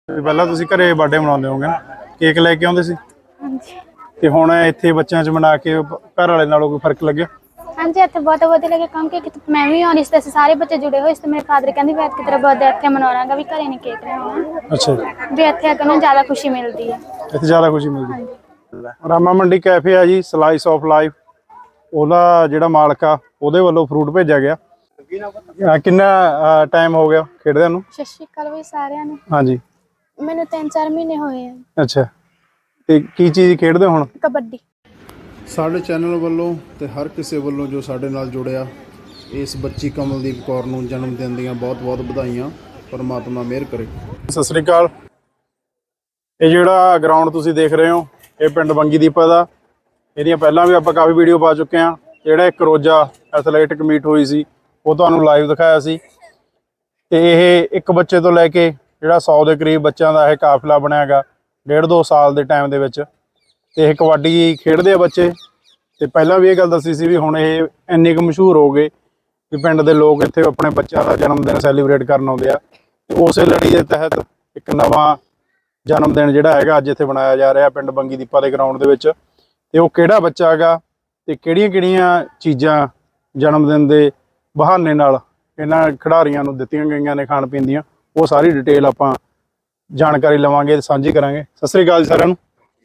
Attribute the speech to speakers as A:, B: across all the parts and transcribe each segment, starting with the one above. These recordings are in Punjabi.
A: ਪਹਿਲਾਂ ਤੁਸੀਂ ਘਰੇ ਬਰਥਡੇ ਮਨਾਉਂਦੇ ਹੋਗੇ ਨਾ, ਕੇਕ ਲੈ ਕੇ ਆਉਂਦੇ ਸੀ
B: ਹਾਂਜੀ
A: ਤੇ ਹੁਣ ਇੱਥੇ ਬੱਚਿਆਂ 'ਚ ਮਨਾ ਕੇ ਘਰ ਵਾਲੇ ਨਾਲੋਂ ਕੋਈ ਫਰਕ ਲੱਗਿਆ?
B: ਹਾਂਜੀ ਇੱਥੇ ਬਹੁਤ ਵਧੀਆ ਲੱਗੇ ਕਿਉਂਕਿ ਮੈਂ ਵੀ ਆਉਣੀ ਸੀ ਤੇ ਅਸੀਂ ਸਾਰੇ ਬੱਚੇ ਜੁੜੇ ਹੋਏ ਸੀ ਤੇ ਮੇਰੇ ਫਾਦਰ ਕਹਿੰਦੇ ਵੀ ਇੱਥੇ ਤੇਰਾ ਬਰਥਡੇ ਇੱਥੇ ਮਨਾਉਣਾਗਾ ਵੀ ਘਰੇ ਨਹੀਂ ਕੇਕ ਲਿਆਉਣਾ।
A: ਅੱਛਾ
B: ਵੀ ਇੱਥੇ ਆ ਕੇ ਨਾ ਜ਼ਿਆਦਾ ਖੁਸ਼ੀ ਮਿਲਦੀ ਹੈ।
A: ਇੱਥੇ ਜ਼ਿਆਦਾ ਖੁਸ਼ੀ ਮਿਲਦੀ।
B: ਹਾਂਜੀ
A: ਰਾਮਾ ਮੰਡੀ ਕੈਫੇ ਆ ਜੀ, ਸਲਾਈਸ ਆਫ ਲਾਈਫ, ਉਹਦਾ ਜਿਹੜਾ ਮਾਲਕ ਆ ਉਹਦੇ ਵੱਲੋਂ ਫਰੂਟ ਭੇਜਿਆ ਗਿਆ। ਕਿੰਨਾ ਟਾਈਮ ਹੋ ਗਿਆ ਖੇਡਦਿਆਂ ਨੂੰ?
B: ਸਤਿ ਸ਼੍ਰੀ ਅਕਾਲ ਵੀ ਸਾਰਿਆਂ ਨੂੰ।
A: ਹਾਂਜੀ
B: ਮੈਨੂੰ 3-4 ਮਹੀਨੇ ਹੋਏ ਆ।
A: ਅੱਛਾ, ਤੇ ਕੀ ਚੀਜ਼ ਖੇਡਦੇ ਹੁਣ?
B: ਕਬੱਡੀ।
A: ਸਾਡੇ ਚੈਨਲ ਵੱਲੋਂ ਤੇ ਹਰ ਕਿਸੇ ਵੱਲੋਂ ਜੋ ਸਾਡੇ ਨਾਲ ਜੁੜਿਆ, ਇਸ ਬੱਚੀ ਕਮਲਦੀਪ ਕੌਰ ਨੂੰ ਜਨਮ ਦਿਨ ਦੀਆਂ ਬਹੁਤ-ਬਹੁਤ ਵਧਾਈਆਂ। ਪਰਮਾਤਮਾ ਮਿਹਰ ਕਰੇ। ਸਤਿ ਸ੍ਰੀ ਅਕਾਲ। ਇਹ ਜਿਹੜਾ ਗਰਾਊਂਡ ਤੁਸੀਂ ਦੇਖ ਰਹੇ ਹੋ, ਇਹ ਪਿੰਡ ਬੰਗੀ ਦੀਪਾ ਦਾ। ਇਹਦੀਆਂ ਪਹਿਲਾਂ ਵੀ ਆਪਾਂ ਕਾਫੀ ਵੀਡੀਓ ਪਾ ਚੁੱਕੇ ਹਾਂ। ਜਿਹੜਾ ਇੱਕ ਰੋਜ਼ਾ ਐਥਲੈਟਿਕ ਮੀਟ ਹੋਈ ਸੀ ਉਹ ਤੁਹਾਨੂੰ ਲਾਈਵ ਦਿਖਾਇਆ ਸੀ। ਤੇ ਇਹ ਇੱਕ ਬੱਚੇ ਤੋਂ ਲੈ ਕੇ ਜਿਹੜਾ 100 ਦੇ ਕਰੀਬ ਬੱਚਿਆਂ ਦਾ ਇਹ ਕਾਫਲਾ ਬਣਿਆ ਹੈਗਾ 1.5-2 ਸਾਲ ਦੇ ਟਾਈਮ ਦੇ ਵਿੱਚ। ਤੇ ਇਹ ਕਬੱਡੀ ਖੇਡਦੇ ਆ ਬੱਚੇ। ਤੇ ਪਹਿਲਾਂ ਵੀ ਇਹ ਗੱਲ ਦੱਸੀ ਸੀ ਵੀ ਹੁਣ ਇਹ ਇੰਨੇ ਕੁ ਮਸ਼ਹੂਰ ਹੋ ਗਏ ਵੀ ਪਿੰਡ ਦੇ ਲੋਕ ਇੱਥੇ ਆਪਣੇ ਬੱਚਿਆਂ ਦਾ ਜਨਮ ਦਿਨ ਸੈਲੀਬ੍ਰੇਟ ਕਰਨ ਆਉਂਦੇ ਆ। ਤੇ ਉਸੇ ਲੜੀ ਦੇ ਤਹਿਤ ਇੱਕ ਨਵਾਂ ਜਨਮ ਦਿਨ ਜਿਹੜਾ ਹੈਗਾ ਅੱਜ ਇੱਥੇ ਬਣਾਇਆ ਜਾ ਰਿਹਾ ਪਿੰਡ ਬੰਗੀ ਦੀਪਾ ਦੇ ਗਰਾਊਂਡ ਦੇ ਵਿੱਚ। ਤੇ ਉਹ ਕਿਹੜਾ ਬੱਚਾ ਹੈਗਾ ਤੇ ਕਿਹੜੀਆਂ ਚੀਜ਼ਾਂ ਜਨਮ ਦਿਨ ਦੇ ਬਹਾਨੇ ਨਾਲ ਇਹਨਾਂ ਖਿਡਾਰੀਆਂ ਨੂੰ ਦਿੱਤੀਆਂ ਗਈਆਂ ਨੇ ਖਾਣ ਪੀਣ ਦੀਆਂ, ਉਹ ਸਾਰੀ ਡਿਟੇਲ ਆਪਾਂ ਜਾਣਕਾਰੀ ਲਵਾਂਗੇ ਤੇ ਸਾਂਝੀ ਕਰਾਂਗੇ। ਸਤਿ ਸ੍ਰੀ ਅਕਾਲ ਸਾਰਿਆਂ ਨੂੰ।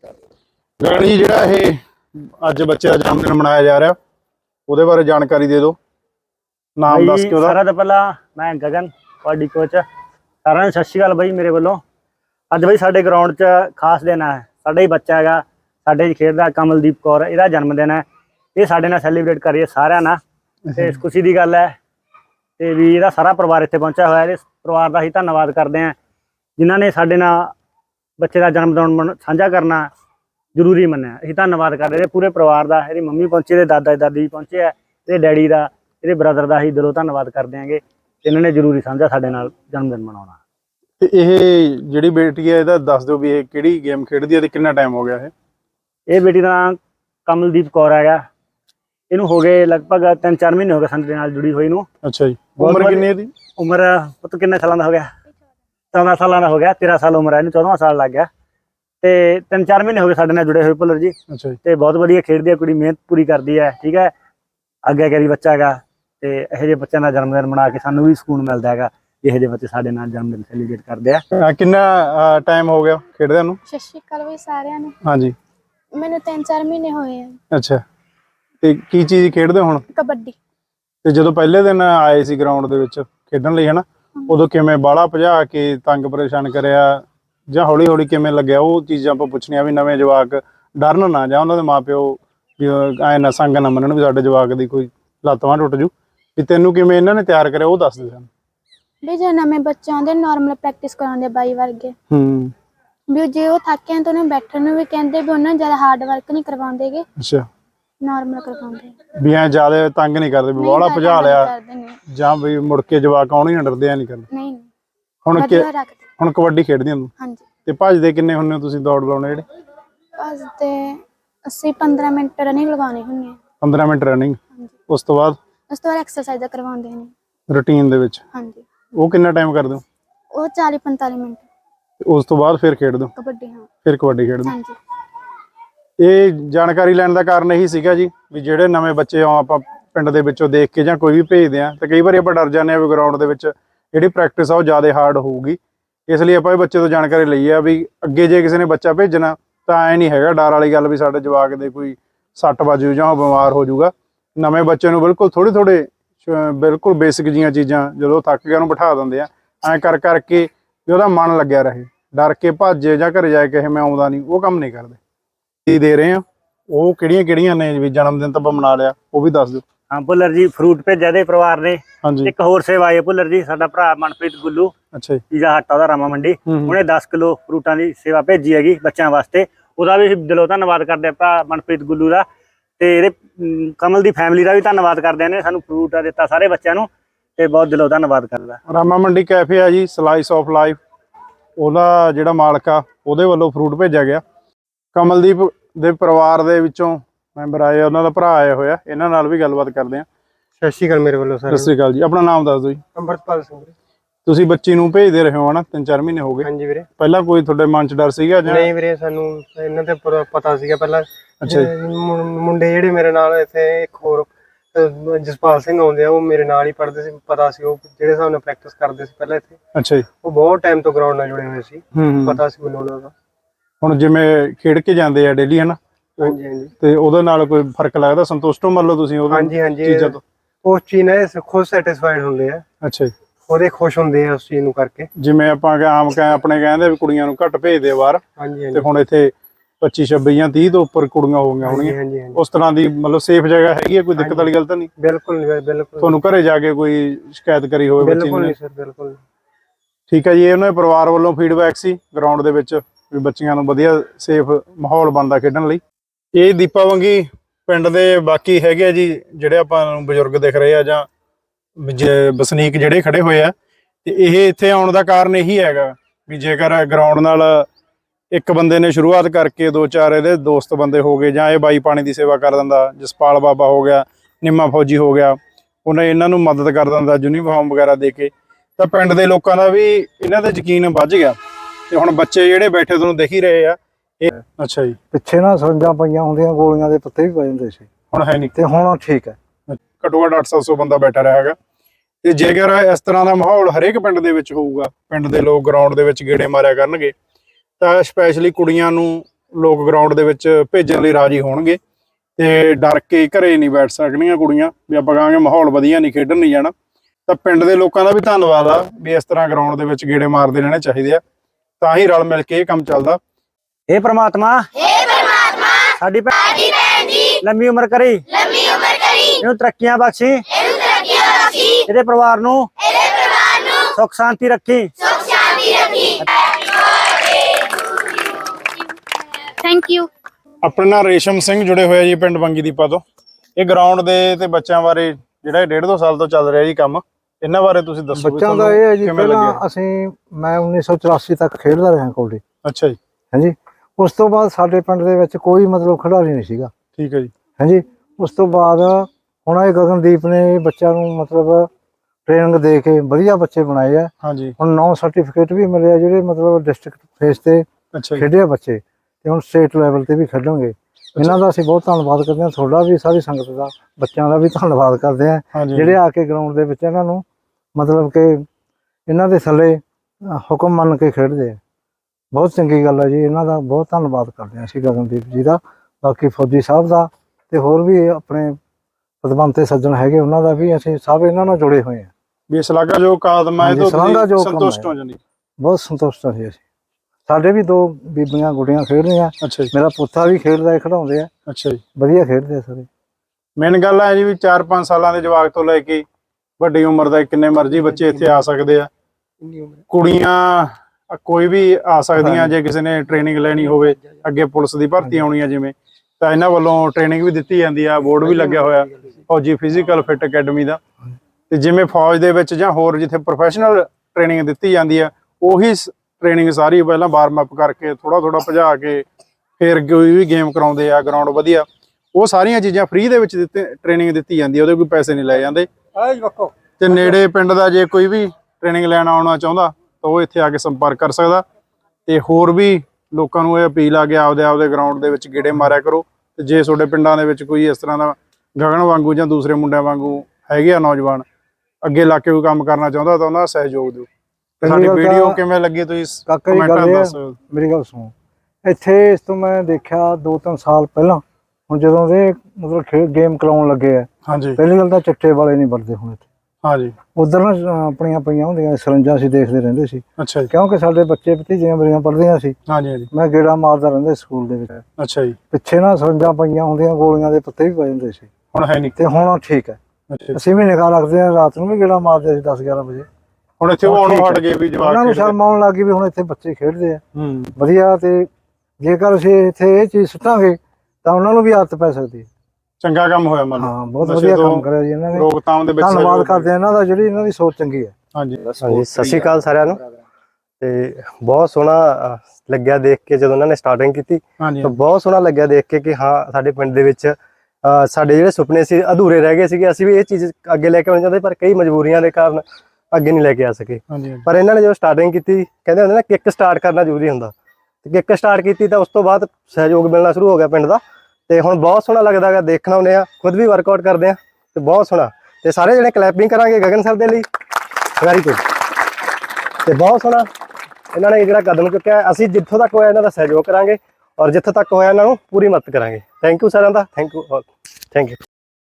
A: ਗਗਨ ਜੀ, ਜਿਹੜਾ ਇਹ ਅੱਜ ਬੱਚੇ ਦਾ ਜਨਮ ਦਿਨ ਮਨਾਇਆ ਜਾ ਰਿਹਾ ਉਹਦੇ ਬਾਰੇ ਜਾਣਕਾਰੀ ਦੇ ਦਿਓ। ਨਾਮ ਦੱਸ ਕੇ ਉਹਦਾ।
C: ਸਾਰਿਆਂ ਤੋਂ ਪਹਿਲਾਂ ਮੈਂ ਗਗਨ, ਕਬੱਡੀ ਕੋਚ। ਸਾਰਿਆਂ ਨੂੰ ਸਤਿ ਸ਼੍ਰੀ ਅਕਾਲ ਬਾਈ ਮੇਰੇ ਵੱਲੋਂ। ਅੱਜ ਬਾਈ ਸਾਡੇ ਗਰਾਊਂਡ 'ਚ ਖਾਸ ਦਿਨ ਹੈ। ਸਾਡਾ ਹੀ ਬੱਚਾ ਹੈਗਾ, ਸਾਡੇ 'ਚ ਖੇਡਦਾ ਕਮਲਦੀਪ ਕੌਰ, ਇਹਦਾ ਜਨਮ ਦਿਨ ਹੈ। ਇਹ ਸਾਡੇ ਨਾਲ ਸੈਲੀਬ੍ਰੇਟ ਕਰੀਏ ਸਾਰਿਆਂ ਨਾਲ, ਤੇ ਇਸ ਖੁਸ਼ੀ ਦੀ ਗੱਲ ਹੈ। ਤੇ ਵੀ ਇਹਦਾ ਸਾਰਾ ਪਰਿਵਾਰ ਇੱਥੇ ਪਹੁੰਚਿਆ ਹੋਇਆ। ਇਸ ਪਰਿਵਾਰ ਦਾ ਅਸੀਂ ਧੰਨਵਾਦ ਕਰਦੇ ਹਾਂ ਜਿਨ੍ਹਾਂ ਨੇ ਸਾਡੇ ਨਾਲ ਬੱਚੇ ਦਾ ਜਨਮ ਦਿਨ ਸਾਂਝਾ ਕਰਨਾ ਜ਼ਰੂਰੀ ਮੰਨਿਆ। ਅਸੀਂ ਧੰਨਵਾਦ ਕਰਦੇ ਇਹਦੇ ਪੂਰੇ ਪਰਿਵਾਰ ਦਾ। ਇਹਦੀ ਮੰਮੀ ਪਹੁੰਚੀ, ਇਹਦੇ ਦਾਦਾ ਦਾਦੀ ਵੀ ਪਹੁੰਚੇ ਹੈ, ਇਹਦੇ ਡੈਡੀ ਦਾ, ਇਹਦੇ ਬ੍ਰਦਰ ਦਾ ਅਸੀਂ ਦਿਲੋਂ ਧੰਨਵਾਦ ਕਰਦੇ ਹਾਂਗੇ। ਇਹਨਾਂ ਨੇ ਜ਼ਰੂਰੀ ਸਾਂਝਾ ਸਾਡੇ ਨਾਲ ਜਨਮ ਦਿਨ ਮਨਾਉਣਾ।
A: ਤੇ ਇਹ ਜਿਹੜੀ ਬੇਟੀ ਹੈ ਇਹਦਾ ਦੱਸ ਦਿਓ ਵੀ ਇਹ ਕਿਹੜੀ ਗੇਮ ਖੇਡਦੀ ਹੈ ਤੇ ਕਿੰਨਾ ਟਾਈਮ ਹੋ ਗਿਆ?
C: ਇਹ ਬੇਟੀ ਦਾ ਨਾਂ ਕਮਲਦੀਪ ਕੌਰ ਹੈਗਾ। ਇਹਨੂੰ ਹੋ ਗਏ ਲਗਭਗ 3-4 ਮਹੀਨੇ ਹੋ ਗਏ ਸਾਡੇ ਨਾਲ ਜੁੜੀ ਹੋਈ ਨੂੰ।
A: ਅੱਛਾ ਜੀ। ਉਮਰ ਕਿੰਨੀ ਹੈ ਦੀ?
C: ਉਮਰ ਪੁੱਤ ਕਿੰਨੇ ਸਾਲਾਂ ਦਾ ਹੋ ਗਿਆ? 14 ਸਾਲਾਂ ਦਾ ਹੋ ਗਿਆ। 13 ਸਾਲ ਉਮਰ ਹੈ, ਇਹਨੂੰ 14ਵਾਂ ਸਾਲ ਲੱਗ ਗਿਆ। ਤੇ 3-4 ਮਹੀਨੇ ਹੋ ਗਏ ਸਾਡੇ ਨਾਲ ਜੁੜੇ ਹੋਏ ਭੁੱਲਰ ਜੀ।
A: ਅੱਛਾ ਜੀ।
C: ਤੇ ਬਹੁਤ ਵਧੀਆ ਖੇਡਦੀ ਹੈ ਕੁੜੀ, ਮਿਹਨਤ ਪੂਰੀ ਕਰਦੀ ਹੈ। ਠੀਕ ਹੈ, ਅੱਗੇ ਕਰੀ ਬੱਚਾ ਹੈਗਾ। ਤੇ ਇਹੋ ਜਿਹੇ ਬੱਚਿਆਂ ਦਾ ਜਨਮ ਦਿਨ ਮਨਾ ਕੇ ਸਾਨੂੰ ਵੀ ਸਕੂਨ ਮਿਲਦਾ ਹੈਗਾ। ਇਹੋ ਜਿਹੇ ਬੱਚੇ ਸਾਡੇ ਨਾਲ ਜਨਮ ਦਿਨ ਸੈਲੀਬ੍ਰੇਟ ਕਰਦੇ ਆ।
A: ਕਿੰਨਾ ਟਾਈਮ ਹੋ ਗਿਆ ਖੇਡਦਿਆਂ ਨੂੰ?
B: ਸਤਿ ਸ਼੍ਰੀ ਅਕਾਲ ਵੀ ਸਾਰਿਆਂ ਨੂੰ।
A: ਹਾਂਜੀ।
B: ਮੈਨੂੰ 3-4 ਮਹੀਨੇ ਹੋਏ ਆ।
A: ਅੱਛਾ, ਤੇ ਕੀ ਚੀਜ਼ ਖੇਡਦੇ ਹੁਣ?
B: ਕਬੱਡੀ।
A: ਤੇ ਜਦੋਂ ਪਹਿਲੇ ਦਿਨ ਆਏ ਸੀ ਗਰਾਊਂਡ ਦੇ ਵਿੱਚ ਖੇਡਣ ਲਈ, ਹਨਾ, ਉਦੋਂ ਕਿਵੇਂ ਬਾਹਲਾ ਭਜਾ ਕੇ ਤੰਗ ਪਰੇਸ਼ਾਨ ਕਰਿਆ ਜਾਂ ਹੌਲੀ ਹੌਲੀ ਕਿਵੇਂ ਲੱਗਿਆ? ਉਹ ਚੀਜ਼ਾਂ ਆਪਾਂ ਪੁੱਛਣੀਆਂ ਵੀ ਨਵੇਂ ਜਵਾਕ ਡਰਨ ਨਾ, ਜਾਂ ਉਹਨਾਂ ਦੇ ਮਾਪਿਓ ਵੀ ਐਂ ਨਾ ਸੰਗ ਨਾ ਮੰਨਣ ਵੀ ਸਾਡੇ ਜਵਾਕ ਦੀ ਕੋਈ ਲੱਤ ਬਾਂਹ ਟੁੱਟ ਜੂ। ਵੀ ਤੈਨੂੰ ਕਿਵੇਂ ਇਹਨਾਂ ਨੇ ਤਿਆਰ ਕਰਿਆ ਉਹ ਦੱਸ ਦੇ ਸਾਨੂੰ।
B: ਵੀ ਜੇ ਨਵੇਂ ਬੱਚੇ ਆਉਂਦੇ ਨਾਰਮਲ ਪ੍ਰੈਕਟਿਸ ਕਰਾਉਂਦੇ ਬਾਈ ਵਰਗੇ। ਵੀ ਜੇ ਉਹ ਥੱਕੇ ਤਾਂ ਉਹਨੂੰ ਬੈਠਣ ਨੂੰ ਵੀ ਕਹਿੰਦੇ ਵੀ ਉਹਨਾਂ ਨੂੰ ਜ਼ਿਆਦਾ ਹਾਰਡ ਵਰਕ ਨਹੀਂ ਕਰਵਾਉਂਦੇਗੇ।
A: ਅੱਛਾ,
B: ਨਾਰਮਲ ਕਰਵਾਉਂਦੇ
A: ਵੀ ਐਂ ਜ਼ਿਆਦਾ ਤੰਗ ਨਹੀਂ ਕਰਦੇ ਵੀ ਬਾਹਲਾ ਭਜਾ ਲਿਆ ਜਾਂ ਵੀ ਮੁੜ ਕੇ ਜਵਾਕ ਆਉਣੇ ਨਾ ਡਰਦੇ ਆ ਨਹੀਂ ਕਰਦੇ?
B: ਨਹੀਂ।
A: ਹੁਣ ਕਬੱਡੀ ਖੇਡਦੇ ਹੋ?
B: ਹਾਂਜੀ।
A: ਤੇ ਭੱਜਦੇ ਕਿੰਨੇ ਹੁੰਦੇ ਹੋ ਤੁਸੀਂ ਦੌੜ ਲਾਉਣੇ ਜਿਹੜੇ?
B: ਭੱਜਦੇ ਅਸੀਂ 15 ਮਿੰਟ ਰਨਿੰਗ ਲਗਾਉਣੀ ਹੁੰਦੀ ਹੈ।
A: 15 ਮਿੰਟ ਰਨਿੰਗ? ਉਸ ਤੋਂ ਬਾਅਦ
B: ਐਕਸਰਸਾਈਜ਼ ਕਰਵਾਉਂਦੇ ਨੇ
A: ਰੂਟੀਨ ਦੇ ਵਿੱਚ।
B: ਹਾਂਜੀ।
A: ਉਹ ਕਿੰਨਾ ਟਾਈਮ ਕਰਦੇ ਹੋ?
B: ਉਹ 40-45 ਮਿੰਟ।
A: ਉਸ ਤੋਂ ਬਾਅਦ ਫਿਰ ਖੇਡਦੇ ਹੋ
B: ਕਬੱਡੀ? ਹਾਂ,
A: ਫਿਰ ਕਬੱਡੀ ਖੇਡਦੇ।
B: ਹਾਂਜੀ।
A: ਇਹ ਜਾਣਕਾਰੀ ਲੈਣ ਦਾ ਕਾਰਨ ਇਹੀ ਸੀਗਾ ਜੀ ਵੀ ਜਿਹੜੇ ਨਵੇਂ ਬੱਚੇ ਆਪਾਂ ਪਿੰਡ ਦੇ ਵਿੱਚੋਂ ਦੇਖ ਕੇ ਜਾਂ ਕੋਈ ਵੀ ਭੇਜਦੇ ਆ ਤੇ ਕਈ ਵਾਰੀ ਆਪਾਂ ਡਰ ਜਾਂਦੇ ਆ ਵੀ ਗਰਾਊਂਡ ਦੇ ਵਿੱਚ ਜਿਹੜੀ ਪ੍ਰੈਕਟਿਸ ਆ ਉਹ ਜ਼ਿਆਦਾ ਹਾਰਡ ਹੋਊਗੀ। ਇਸ ਲਈ ਆਪਾਂ ਇਹ ਬੱਚੇ ਤੋਂ ਜਾਣਕਾਰੀ ਲਈ ਆ ਵੀ ਅੱਗੇ ਜੇ ਕਿਸੇ ਨੇ ਬੱਚਾ ਭੇਜਣਾ ਤਾਂ ਐ ਨਹੀਂ ਹੈਗਾ ਡਰ ਵਾਲੀ ਗੱਲ ਵੀ ਸਾਡੇ ਜਵਾਕ ਦੇ ਕੋਈ ਸੱਟ ਵੱਜ ਜੂ ਜਾਂ ਉਹ ਬਿਮਾਰ ਹੋ ਜਾਊਗਾ। ਨਵੇਂ ਬੱਚੇ ਨੂੰ ਬਿਲਕੁਲ ਥੋੜੇ ਬਿਲਕੁਲ ਬੇਸਿਕ ਜੀਆਂ ਚੀਜ਼ਾਂ ਜਦੋਂ ਥੱਕ ਗਿਆ ਉਹਨੂੰ ਬਿਠਾ ਦਿੰਦੇ ਆ ਐਂ ਕਰਕੇ ਵੀ ਉਹਦਾ ਮਨ ਲੱਗਿਆ ਰਹੇ। ਡਰ ਕੇ ਭੱਜੇ ਜਾਂ ਘਰੇ ਜਾ ਕੇ ਕਹੇ ਮੈਂ ਆਉਂਦਾ ਨਹੀਂ, ਉਹ ਕੰਮ ਨਹੀਂ ਕਰਦੇ। ਕੀ ਦੇ ਰਹੇ ਆ ਉਹ ਕਿਹੜੀਆਂ ਨੇ ਵੀ ਜਨਮ ਦਿਨ ਤਾਂ ਆਪਾਂ ਮਨਾ ਲਿਆ, ਉਹ ਵੀ ਦੱਸ ਦਿਓ।
C: ਹਾਂ ਭੁੱਲਰ ਜੀ, ਫਰੂਟ ਭੇਜਿਆ ਦੇ ਪਰਿਵਾਰ ਨੇ।
A: ਹਾਂਜੀ।
C: ਇੱਕ ਹੋਰ ਸੇਵਾ ਆਈ ਹੈ ਭੁੱਲਰ ਜੀ, ਸਾਡਾ ਭਰਾ ਮਨਪ੍ਰੀਤ ਗੁੱਲੂ।
A: ਅੱਛਾ ਜੀ।
C: ਪੀਜ਼ਾ ਹੱਟ ਉਹਦਾ ਰਾਮਾ ਮੰਡੀ, ਉਹਨੇ 10 ਕਿਲੋ ਫਰੂਟਾਂ ਦੀ ਸੇਵਾ ਭੇਜੀ ਹੈਗੀ ਬੱਚਿਆਂ ਵਾਸਤੇ। ਉਹਦਾ ਵੀ ਦਿਲੋਂ ਧੰਨਵਾਦ ਕਰਦੇ ਆ ਭਰਾ ਮਨਪ੍ਰੀਤ ਗੁੱਲੂ ਦਾ। ਤੇ ਇਹਦੇ ਕਮਲ ਦੀ ਫੈਮਿਲੀ ਦਾ ਵੀ ਧੰਨਵਾਦ ਕਰਦੇ ਨੇ, ਸਾਨੂੰ ਫਰੂਟ ਦਿੱਤਾ ਸਾਰੇ ਬੱਚਿਆਂ ਨੂੰ, ਤੇ ਬਹੁਤ ਦਿਲੋਂ ਧੰਨਵਾਦ ਕਰਦਾ।
A: ਰਾਮਾ ਮੰਡੀ ਕੈਫੇ ਆ ਜੀ, ਸਲਾਈਸ ਆਫ ਲਾਈਫ, ਉਹਦਾ ਜਿਹੜਾ ਮਾਲਕ ਆ ਉਹਦੇ ਵੱਲੋਂ ਫਰੂਟ ਭੇਜਿਆ ਗਿਆ। ਕਮਲਦੀਪ ਦੇ ਪਰਿਵਾਰ ਦੇ ਵਿੱਚੋਂ ਮੈਂਬਰ ਆਏ, ਉਹਨਾਂ ਦਾ ਭਰਾ ਆਇਆ ਹੋਇਆ, ਇਹਨਾਂ ਨਾਲ ਵੀ ਗੱਲਬਾਤ ਕਰਦੇ ਆ।
D: ਸਤਿ ਸ਼੍ਰੀ ਅਕਾਲ ਮੇਰੇ ਵੱਲੋਂ ਸਰ।
A: ਸਤਿ ਸ਼੍ਰੀ ਅਕਾਲ ਜੀ। ਆਪਣਾ ਨਾਮ ਦੱਸ ਦਿਓ ਜੀ।
D: ਅੰਮ੍ਰਿਤਪਾਲ ਸਿੰਘ।
A: ਤੁਸੀਂ ਬੱਚੀ ਨੂੰ ਭੇਜਦੇ ਰਹੇ ਹੋ ਹਨਾ 3-4 ਮਹੀਨੇ ਹੋ ਗਏ।
D: ਹਾਂਜੀ ਵੀਰੇ।
A: ਪਹਿਲਾਂ ਕੋਈ ਤੁਹਾਡੇ ਮਨ 'ਚ ਡਰ ਸੀਗਾ ਜਾਂ?
D: ਨਹੀਂ ਵੀਰੇ, ਸਾਨੂੰ ਇਹਨਾਂ ਤੇ ਪੂਰਾ ਪਤਾ ਸੀਗਾ ਪਹਿਲਾਂ।
A: ਅੱਛਾ ਜੀ।
D: ਮੁੰਡੇ ਜਿਹੜੇ ਮੇਰੇ ਨਾਲ ਇੱਥੇ ਇੱਕ ਹੋਰ ਜਸਪਾਲ ਸਿੰਘ ਆਉਂਦੇ ਆ, ਉਹ ਮੇਰੇ ਨਾਲ ਹੀ ਪੜ੍ਹਦੇ ਸੀ। ਪਤਾ ਸੀ ਉਹ ਜਿਹੜੇ ਹਿਸਾਬ ਨਾਲ ਪ੍ਰੈਕਟਿਸ ਕਰਦੇ ਸੀ ਪਹਿਲਾਂ ਇੱਥੇ।
A: ਅੱਛਾ ਜੀ।
D: ਉਹ ਬਹੁਤ ਟਾਈਮ ਤੋਂ ਗਰਾਊਂਡ ਨਾਲ ਜੁੜੇ ਹੋਏ ਸੀ। ਪਤਾ ਸੀ ਮੈਨੂੰ ਉਹਨਾਂ ਦਾ।
A: ਹੁਣ ਜਿਵੇਂ ਖੇਡ ਕੇ ਜਾਂਦੇ ਆ ਡੇਲੀ ਹਨਾ,
D: ਹਾਂਜੀ ਹਾਂਜੀ।
A: ਤੇ ਉਹਦੇ ਨਾਲ ਕੋਈ ਫਰਕ ਲੱਗਦਾ? ਸੰਤੁਸ਼ਟ ਹੋ ਮੰਨ ਲਓ ਤੁਸੀਂ ਉਹਦੇ
D: ਹਾਂਜੀ ਹਾਂਜੀ,
A: ਚੀਜ਼ਾਂ ਤੋਂ?
D: ਉਸ ਚੀਜ਼ ਨਾਲ ਖੁਦ ਸੈਟੀਸਫਾਈਡ ਹੁੰਦੇ ਆ।
A: ਅੱਛਾ ਜੀ।
D: ਉਹਦੇ ਖੁਸ਼ ਹੁੰਦੇ ਆ ਉਸ ਚੀਜ਼ ਨੂੰ ਕਰਕੇ।
A: ਜਿਵੇਂ ਆਪਾਂ ਆਪਣੇ ਕਹਿੰਦੇ ਵੀ ਕੁੜੀਆਂ ਨੂੰ ਘੱਟ ਭੇਜਦੇ ਆ ਬਾਹਰ,
D: ਹਾਂਜੀ
A: ਤੇ ਹੁਣ ਇੱਥੇ 25 26 ਜਾਂ 30 ਤੋਂ ਉੱਪਰ ਕੁੜੀਆਂ ਹੋ ਗਈਆਂ ਹੋਣਗੀਆਂ।
D: ਹਾਂਜੀ ਹਾਂਜੀ।
A: ਉਸ ਤਰ੍ਹਾਂ ਦੀ ਮਤਲਬ ਸੇਫ ਜਗ੍ਹਾ ਹੈਗੀ ਹੈ? ਕੋਈ ਦਿੱਕਤ ਵਾਲੀ ਗੱਲ ਤਾਂ ਨਹੀਂ?
D: ਬਿਲਕੁਲ ਨਹੀਂ, ਬਿਲਕੁਲ
A: ਤੁਹਾਨੂੰ ਘਰੇ ਜਾ ਕੇ ਕੋਈ ਸ਼ਿਕਾਇਤ ਕਰੀ ਹੋਵੇ ਬੱਚੀ
D: ਬਿਲਕੁਲ
A: ਨੇ?
D: ਨਹੀਂ ਸਰ, ਬਿਲਕੁਲ ਨਹੀਂ।
A: ਠੀਕ ਹੈ ਜੀ। ਉਹਨਾਂ ਦੇ ਪਰਿਵਾਰ ਵੱਲੋਂ ਫੀਡਬੈਕ ਸੀ ਗਰਾਊਂਡ ਦੇ ਵਿੱਚ ਵੀ ਬੱਚੀਆਂ ਨੂੰ ਵਧੀਆ ਸੇਫ ਮਾਹੌਲ ਬਣਦਾ ਖੇਡਣ ਲਈ। ਇਹ ਦੀਪਾ ਵੰਗੀ ਪਿੰਡ ਦੇ ਬਾਕੀ ਹੈਗੇ ਆ ਜੀ, ਜਿਹੜੇ ਆਪਾਂ ਨੂੰ ਬਜ਼ੁਰਗ ਦਿਖ ਰਹੇ ਆ ਜਾਂ ਵਸਨੀਕ ਜਿਹੜੇ ਖੜੇ ਹੋਏ ਆ, ਤੇ ਇਹ ਇੱਥੇ ਆਉਣ ਦਾ ਕਾਰਨ ਇਹੀ ਹੈਗਾ ਵੀ ਜੇਕਰ ਗਰਾਊਂਡ ਨਾਲ ਇੱਕ ਬੰਦੇ ਨੇ ਸ਼ੁਰੂਆਤ ਕਰਕੇ 2-4 ਇਹਦੇ ਦੋਸਤ ਬੰਦੇ ਹੋ ਗਏ, ਜਾਂ ਇਹ ਬਾਈ ਪਾਣੀ ਦੀ ਸੇਵਾ ਕਰ ਦਿੰਦਾ, ਜਸਪਾਲ ਬਾਬਾ ਹੋ ਗਿਆ, ਨਿੰਮਾ ਫੌਜੀ ਹੋ ਗਿਆ, ਉਹਨੇ ਇਹਨਾਂ ਨੂੰ ਮਦਦ ਕਰ ਦਿੰਦਾ ਯੂਨੀਫਾਰਮ ਵਗੈਰਾ ਦੇ ਕੇ, ਤਾਂ ਪਿੰਡ ਦੇ ਲੋਕਾਂ ਦਾ ਵੀ ਇਹਨਾਂ ਤੇ ਯਕੀਨ ਵੱਜ ਗਿਆ। ਤੇ ਹੁਣ ਬੱਚੇ ਜਿਹੜੇ ਬੈਠੇ ਤੁਹਾਨੂੰ ਦਿਖ ਹੀ ਰਹੇ ਆ ਇਹ। ਅੱਛਾ ਜੀ।
E: ਪਿੱਛੇ ਨਾ ਸਰਿੰਜਾਂ ਪਈਆਂ ਹੁੰਦੀਆਂ, ਗੋਲੀਆਂ ਦੇ ਪੱਤੇ ਵੀ ਪੈ ਜਾਂਦੇ ਸੀ।
A: ਹੁਣ ਹੈ ਨਹੀਂ?
E: ਤੇ ਹੁਣ ਠੀਕ ਹੈ।
A: ਘੱਟੋ ਘੱਟ 800 ਬੰਦਾ ਬੈਠਾ ਰਿਹਾ ਹੈਗਾ। ਤੇ ਜੇਕਰ ਇਸ ਤਰ੍ਹਾਂ ਦਾ ਮਾਹੌਲ ਹਰੇਕ ਪਿੰਡ ਦੇ ਵਿੱਚ ਹੋਊਗਾ, ਪਿੰਡ ਦੇ ਲੋਕ ਗਰਾਊਂਡ ਦੇ ਵਿੱਚ ਗੇੜੇ ਮਾਰਿਆ ਕਰਨਗੇ, ਤਾਂ ਸਪੈਸ਼ਲੀ ਕੁੜੀਆਂ ਨੂੰ ਲੋਕ ਗਰਾਊਂਡ ਦੇ ਵਿੱਚ ਭੇਜਣ ਲਈ ਰਾਜੀ ਹੋਣਗੇ। ਤੇ ਡਰ ਕੇ ਘਰੇ ਨਹੀਂ ਬੈਠ ਸਕਣਗੀਆਂ ਕੁੜੀਆਂ ਵੀ ਆਪਾਂ ਕਹਾਂਗੇ ਮਾਹੌਲ ਵਧੀਆ ਨਹੀਂ, ਖੇਡਣ ਨਹੀਂ ਜਾਣਾ। ਤਾਂ ਪਿੰਡ ਦੇ ਲੋਕਾਂ ਦਾ ਵੀ ਧੰਨਵਾਦ ਆ ਵੀ ਇਸ ਤਰ੍ਹਾਂ ਗਰਾਊਂਡ ਦੇ ਵਿੱਚ ਗੇੜੇ ਮਾਰਦੇ ਰਹਿਣੇ ਚਾਹੀਦੇ ਆ, ਤਾਂ ਹੀ ਰਲ ਮਿਲ ਕੇ ਇਹ ਕੰਮ ਚੱਲਦਾ।
C: हे परमात्मा साडी भैन दी लंबी उम्र करी इहनूं तरक्कियां बख्शी इहदे परिवार नूं सुख शांति रखी।
B: Thank you.
A: ਆਪਣੇ ਨਾਲ ਰੇਸ਼ਮ ਸਿੰਘ ਜੁੜੇ ਹੋਏ ਆ ਜੀ ਪਿੰਡ ਬੰਗੀ ਦੀਪਾ ਤੋਂ। ਇਹ ਗਰਾਊਂਡ ਦੇ ਤੇ ਬੱਚਿਆਂ ਬਾਰੇ ਜਿਹੜਾ 1.5-2 ਸਾਲ ਤੋਂ ਚੱਲ ਰਿਹਾ ਜੀ ਕੰਮ, ਇਹਨਾਂ ਬਾਰੇ ਤੁਸੀਂ ਦੱਸੋ।
E: ਬੱਚਿਆਂ ਦਾ ਇਹ ਹੈ ਜੀ, ਪਹਿਲਾਂ ਮੈਂ 1984 ਤੱਕ ਖੇਡਦਾ ਰਿਹਾ ਕਬੱਡੀ।
A: ਅੱਛਾ ਜੀ।
E: ਹਾਂਜੀ। ਉਸ ਤੋਂ ਬਾਅਦ ਸਾਡੇ ਪਿੰਡ ਦੇ ਵਿੱਚ ਕੋਈ ਮਤਲਬ ਖਿਡਾਰੀ ਨਹੀਂ ਸੀਗਾ।
A: ਠੀਕ ਹੈ ਜੀ।
E: ਹਾਂਜੀ। ਉਸ ਤੋਂ ਬਾਅਦ ਹੁਣ ਇਹ ਗਗਨਦੀਪ ਨੇ ਬੱਚਿਆਂ ਨੂੰ ਮਤਲਬ ਟ੍ਰੇਨਿੰਗ ਦੇ ਕੇ ਵਧੀਆ ਬੱਚੇ ਬਣਾਏ ਆ।
A: ਹਾਂਜੀ।
E: ਹੁਣ 9 ਸਰਟੀਫਿਕੇਟ ਵੀ ਮਿਲੇ ਆ, ਜਿਹੜੇ ਮਤਲਬ ਡਿਸਟ੍ਰਿਕਟ ਫੇਸ ਤੇ ਖੇਡੇ ਆ ਬੱਚੇ, ਤੇ ਹੁਣ ਸਟੇਟ ਲੈਵਲ ਤੇ ਵੀ ਖੇਡਣਗੇ। ਇਹਨਾਂ ਦਾ ਅਸੀਂ ਬਹੁਤ ਧੰਨਵਾਦ ਕਰਦੇ ਹਾਂ, ਤੁਹਾਡਾ ਵੀ, ਸਾਰੀ ਸੰਗਤ ਦਾ, ਬੱਚਿਆਂ ਦਾ ਵੀ ਧੰਨਵਾਦ ਕਰਦੇ ਹਾਂ, ਜਿਹੜੇ ਆ ਕੇ ਗਰਾਊਂਡ ਦੇ ਵਿੱਚ ਇਹਨਾਂ ਨੂੰ ਮਤਲਬ ਕਿ ਇਹਨਾਂ ਦੇ ਥੱਲੇ ਹੁਕਮ ਮੰਨ ਕੇ ਖੇਡਦੇ ਆ। ਬਹੁਤ ਚੰਗੀ ਗੱਲ ਹੈ ਜੀ, ਇਹਨਾਂ ਦਾ ਬਹੁਤ ਧੰਨਵਾਦ ਕਰਦੇ ਹਾਂ ਅਸੀਂ ਗਗਨਦੀਪ ਜੀ ਦਾ, ਬਾਕੀ ਫੌਜੀ ਸਾਹਿਬ ਦਾ, ਤੇ ਹੋਰ ਵੀ ਆਪਣੇ ਪਦਵੰਤੇ ਸੱਜਣ ਹੈਗੇ ਉਹਨਾਂ ਦਾ ਵੀ, ਅਸੀਂ ਸਭ ਇਹਨਾਂ ਨਾਲ ਜੁੜੇ ਹੋਏ ਹਾਂ।
A: ਵੀ ਸ਼ਲਾਘਾ ਜੋ ਕਾਦਮ ਹੈ ਤੋਂ ਸੰਤੁਸ਼ਟ ਹੋ ਜਾਂਦੀ?
E: ਬਹੁਤ ਸੰਤੁਸ਼ਟ ਹਾਂ ਜੀ ਅਸੀਂ। ਸਾਡੇ ਵੀ 2 ਬੀਬੀਆਂ ਗੁੱਡੀਆਂ ਖੇਡ ਰਹੀਆਂ।
A: ਅੱਛਾ ਜੀ।
E: ਮੇਰਾ ਪੁੱਤਾ ਵੀ ਖੇਡਦਾ ਹੈ, ਖਿਡਾਉਂਦੇ ਆ।
A: ਅੱਛਾ ਜੀ।
E: ਵਧੀਆ ਖੇਡਦੇ ਆ ਸਾਰੇ।
A: ਮੇਨ ਗੱਲ ਹੈ ਜੀ ਵੀ 4-5 ਸਾਲਾਂ ਦੇ ਜਵਾਕ ਤੋਂ ਲੈ ਕੇ ਵੱਡੀ ਉਮਰ ਦਾ ਕਿੰਨੇ ਮਰਜ਼ੀ ਬੱਚੇ ਇੱਥੇ ਆ ਸਕਦੇ ਆ। ਕੁੜੀਆਂ ਕੋਈ ਵੀ ਆ ਸਕਦੀਆਂ, ਜੇ ਕਿਸੇ ਨੇ ਟ੍ਰੇਨਿੰਗ ਲੈਣੀ ਹੋਵੇ, ਅੱਗੇ ਪੁਲਿਸ ਦੀ ਭਰਤੀ ਆਉਣੀ ਆ ਜਿਵੇਂ, ਤਾਂ ਇਹਨਾਂ ਵੱਲੋਂ ਟ੍ਰੇਨਿੰਗ ਵੀ ਦਿੱਤੀ ਜਾਂਦੀ ਆ, ਬੋਰਡ ਵੀ ਲੱਗਿਆ ਹੋਇਆ ਫੌਜੀ ਫਿਜ਼ੀਕਲ ਫਿਟ ਅਕੈਡਮੀ ਦਾ। ਤੇ ਜਿਵੇਂ ਫੌਜ ਦੇ ਵਿੱਚ ਜਾਂ ਹੋਰ ਜਿੱਥੇ ਪ੍ਰੋਫੈਸ਼ਨਲ ਟ੍ਰੇਨਿੰਗ ਦਿੱਤੀ ਜਾਂਦੀ ਆ, ਉਹੀ ਟ੍ਰੇਨਿੰਗ ਸਾਰੀ ਪਹਿਲਾਂ ਵਾਰਮ ਅਪ ਕਰਕੇ ਥੋੜਾ ਭਜਾ ਕੇ ਫਿਰ ਕੋਈ ਵੀ ਗੇਮ ਕਰਾਉਂਦੇ ਆ ਗਰਾਊਂਡ ਵਧੀਆ, ਉਹ ਸਾਰੀਆਂ ਚੀਜ਼ਾਂ ਫ੍ਰੀ ਦੇ ਵਿੱਚ ਟ੍ਰੇਨਿੰਗ ਦਿੱਤੀ ਜਾਂਦੀ ਆ, ਉਹਦੇ ਕੋਈ ਪੈਸੇ ਨਹੀਂ ਲਏ ਜਾਂਦੇ। ਤੇ ਨੇੜੇ ਪਿੰਡ ਦਾ ਜੇ ਕੋਈ ਵੀ ਟ੍ਰੇਨਿੰਗ ਲੈਣ ਆਉਣਾ ਚਾਹੁੰਦਾ ਤਾਂ ਉਹ ਇੱਥੇ ਆ ਕੇ ਸੰਪਰਕ ਕਰ ਸਕਦਾ। ਤੇ ਹੋਰ ਵੀ ਲੋਕਾਂ ਨੂੰ ਇਹ ਅਪੀਲ ਆ ਕਿ ਆਪਦੇ ਗਰਾਊਂਡ ਦੇ ਵਿੱਚ ਗੇੜੇ ਮਾਰਿਆ ਕਰੋ। ਤੇ ਜੇ ਤੁਹਾਡੇ ਪਿੰਡਾਂ ਦੇ ਵਿੱਚ ਕੋਈ ਇਸ ਤਰ੍ਹਾਂ ਦਾ ਗਗਨ ਵਾਂਗੂ ਜਾਂ ਦੂਸਰੇ ਮੁੰਡਿਆਂ ਵਾਂਗੂ ਹੈਗੇ ਆ ਨੌਜਵਾਨ, ਅੱਗੇ ਲਾ ਕੇ ਕੋਈ ਕੰਮ ਕਰਨਾ ਚਾਹੁੰਦਾ, ਤਾਂ ਉਹਨਾਂ ਦਾ ਸਹਿਯੋਗ ਦਿਓ। ਤੇ ਸਾਡੀ ਵੀਡੀਓ ਕਿਵੇਂ ਲੱਗੀ ਤੁਸੀਂ ਕਮੈਂਟਾਂ ਦੱਸੋ।
E: ਮੇਰੀ ਗੱਲ ਸੁਣੋ, ਇੱਥੇ ਇਸ ਤੋਂ ਮੈਂ ਦੇਖਿਆ 2-3 ਸਾਲ ਪਹਿਲਾਂ, ਹੁਣ ਜਦੋਂ ਦੇ ਮਤਲਬ ਗੇਮ ਕਰਾਉਣ ਲੱਗੇ ਆ,
A: ਹਾਂਜੀ,
E: ਪਹਿਲੀ ਗੱਲ ਤਾਂ ਚਿੱਟੇ ਵਾਲੇ ਨਹੀਂ ਵਰਦੇ ਹੁਣ ਇੱਥੇ।
A: ਹਾਂਜੀ।
E: ਉਧਰ ਨਾ ਆਪਣੀਆਂ ਪਈਆਂ ਹੁੰਦੀਆਂ ਸਰੰਜਾਂ ਅਸੀਂ ਦੇਖਦੇ ਰਹਿੰਦੇ ਸੀ।
A: ਅੱਛਾ ਜੀ।
E: ਕਿਉਂਕਿ ਸਾਡੇ ਬੱਚੇ ਭਤੀਜੀਆਂ ਮੇਰੀਆਂ ਪੜ੍ਹਦੀਆਂ ਸੀ।
A: ਹਾਂਜੀ ਹਾਂਜੀ।
E: ਮੈਂ ਗੇੜਾ ਮਾਰਦਾ ਰਹਿੰਦਾ ਸਕੂਲ ਦੇ ਵਿੱਚ।
A: ਅੱਛਾ ਜੀ।
E: ਪਿੱਛੇ ਨਾ ਸਰੰਜਾਂ ਪਈਆਂ ਹੁੰਦੀਆਂ, ਗੋਲੀਆਂ ਦੇ ਪੱਤੇ ਵੀ ਪੈ ਜਾਂਦੇ ਸੀ।
A: ਹੁਣ ਹੈ ਨਹੀਂ?
E: ਤੇ ਹੁਣ ਠੀਕ ਹੈ। ਅਸੀਂ ਵੀ ਨਿਗਾਹ ਰੱਖਦੇ ਹਾਂ, ਰਾਤ ਨੂੰ ਵੀ ਗੇੜਾ ਮਾਰਦੇ ਸੀ 10-11 ਵਜੇ।
A: ਹੁਣ ਇੱਥੇ ਉਹ ਆਉਣੋਂ ਹਟ ਗਏ ਵੀ ਜਵਾਕ,
E: ਉਹਨਾਂ ਨੂੰ ਸ਼ਰਮ ਆਉਣ ਲੱਗ ਗਈ ਵੀ ਹੁਣ ਇੱਥੇ ਬੱਚੇ ਖੇਡਦੇ ਆ ਵਧੀਆ। ਤੇ ਜੇਕਰ ਅਸੀਂ ਇੱਥੇ ਇਹ ਚੀਜ਼ ਸੁੱਟਾਂਗੇ ਤਾਂ ਉਹਨਾਂ ਨੂੰ ਵੀ ਆਦਤ ਪੈ ਸਕਦੀ ਹੈ।
A: ਚੰਗਾ ਕੰਮ ਹੋਇਆ ਮਨ।
E: ਹਾਂ, ਬਹੁਤ ਵਧੀਆ ਕੰਮ ਕਰਿਆ ਜੀ ਇਹਨਾਂ ਨੇ।
A: ਰੋਕਥਾਮ ਦੇ ਵਿੱਚ
E: ਧੰਨਵਾਦ ਕਰਦੇ ਆ ਇਹਨਾਂ ਦਾ, ਜਿਹੜੀ ਇਹਨਾਂ ਦੀ ਸੋਚ ਚੰਗੀ ਹੈ।
A: ਹਾਂਜੀ।
D: ਸਤਿ ਸ਼੍ਰੀ ਅਕਾਲ ਸਾਰਿਆਂ ਨੂੰ। ਤੇ ਬਹੁਤ ਸੋਹਣਾ ਲੱਗਿਆ ਦੇਖ ਕੇ ਜਦੋਂ ਉਹਨਾਂ ਨੇ ਸਟਾਰਟਿੰਗ ਕੀਤੀ, ਤਾਂ ਬਹੁਤ ਸੋਹਣਾ ਲੱਗਿਆ ਦੇਖ ਕੇ ਕਿ ਹਾਂ ਸਾਡੇ ਪਿੰਡ ਦੇ ਵਿੱਚ ਸਾਡੇ ਜਿਹੜੇ ਸੁਪਨੇ ਸੀ ਅਧੂਰੇ ਰਹਿ ਗਏ ਸੀਗੇ। ਅਸੀਂ ਵੀ ਇਹ ਚੀਜ਼ ਅੱਗੇ ਲੈ ਕੇ ਆਉਣਾ ਚਾਹੁੰਦੇ, ਪਰ ਕਈ ਮਜਬੂਰੀਆਂ ਦੇ ਕਾਰਨ ਅੱਗੇ ਨਹੀਂ ਲੈ ਕੇ ਆ ਸਕੇ।
A: ਹਾਂਜੀ
D: ਪਰ ਇਹਨਾਂ ਨੇ ਜਦੋਂ ਸਟਾਰਟਿੰਗ ਕੀਤੀ, ਕਹਿੰਦੇ ਹੁੰਦੇ ਨਾ ਕਿੱਕ ਸਟਾਰਟ ਕਰਨਾ ਜ਼ਰੂਰੀ ਹੁੰਦਾ, ਤੇ ਕਿੱਕ ਸਟਾਰਟ ਕੀਤੀ ਤਾਂ ਉਸ ਤੋਂ ਬਾਅਦ ਸਹਿਯੋਗ ਮਿਲਣਾ ਸ਼ੁਰੂ ਹੋ ਗਿਆ ਪਿੰਡ ਦਾ। ਤੇ ਹੁਣ ਬਹੁਤ ਸੋਹਣਾ ਲੱਗਦਾ ਹੈਗਾ, ਦੇਖਣਾ ਆਉਂਦੇ ਆ, ਖੁਦ ਵੀ ਵਰਕਆਊਟ ਕਰਦੇ ਆ ਤੇ ਬਹੁਤ ਸੋਹਣਾ। ਤੇ ਸਾਰੇ ਜਣੇ ਕਲੈਪਿੰਗ ਕਰਾਂਗੇ ਗਗਨ ਸਰ ਦੇ ਲਈ, ਵੈਰੀ ਗੁੱਡ। ਤੇ ਬਹੁਤ ਸੋਹਣਾ ਇਹਨਾਂ ਨੇ ਜਿਹੜਾ ਕਦਮ ਚੁੱਕਿਆ, ਅਸੀਂ ਜਿੱਥੋਂ ਤੱਕ ਹੋਇਆ ਇਹਨਾਂ ਦਾ ਸਹਿਯੋਗ ਕਰਾਂਗੇ ਔਰ ਜਿੱਥੋਂ ਤੱਕ ਹੋਇਆ ਇਹਨਾਂ ਨੂੰ ਪੂਰੀ ਮਦਦ ਕਰਾਂਗੇ। ਥੈਂਕ ਯੂ ਸਾਰਿਆਂ ਦਾ, ਥੈਂਕ ਯੂ, ਥੈਂਕ ਯੂ।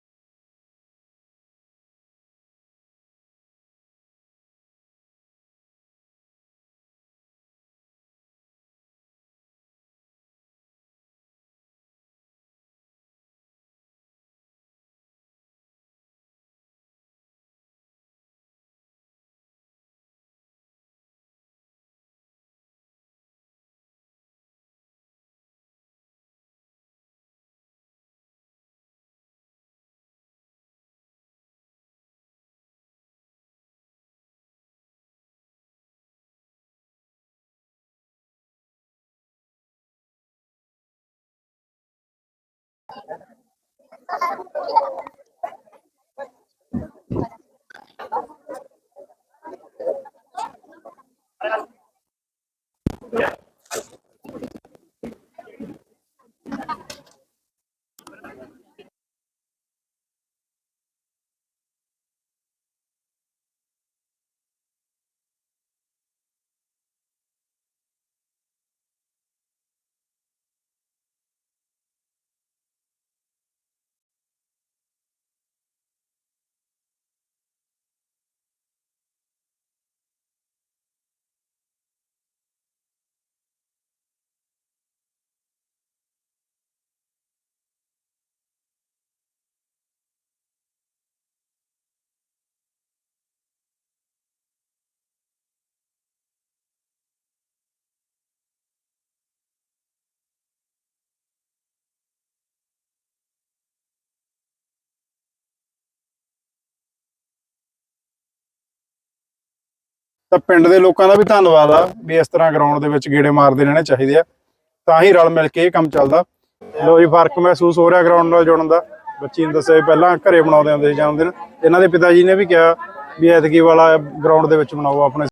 A: ਤਾਂ ਪਿੰਡ ਦੇ ਲੋਕਾਂ ਦਾ ਵੀ ਧੰਨਵਾਦ ਆ ਵੀ ਇਸ ਤਰ੍ਹਾਂ ਗਰਾਊਂਡ ਦੇ ਵਿੱਚ ਗੇੜੇ ਮਾਰਦੇ ਰਹਿਣੇ ਚਾਹੀਦੇ ਆ, ਤਾਂ ਹੀ ਰਲ ਮਿਲ ਕੇ ਇਹ ਕੰਮ ਚੱਲਦਾ। ਲੋ ਜੀ, ਫਰਕ ਮਹਿਸੂਸ ਹੋ ਰਿਹਾ ਗਰਾਊਂਡ ਨਾਲ ਜੁੜਨ ਦਾ। ਬੱਚੀ ਨੂੰ ਦੱਸਿਆ ਪਹਿਲਾਂ ਘਰੇ ਬਣਾਉਂਦੇ ਹੁੰਦੇ ਸੀ ਜਨਮ ਦਿਨ, ਇਹਨਾਂ ਦੇ ਪਿਤਾ ਜੀ ਨੇ ਵੀ ਕਿਹਾ ਵੀ ਐਤਕੀ ਵਾਲਾ ਗਰਾਊਂਡ ਦੇ ਵਿੱਚ ਬਣਾਓ ਆਪਣੇ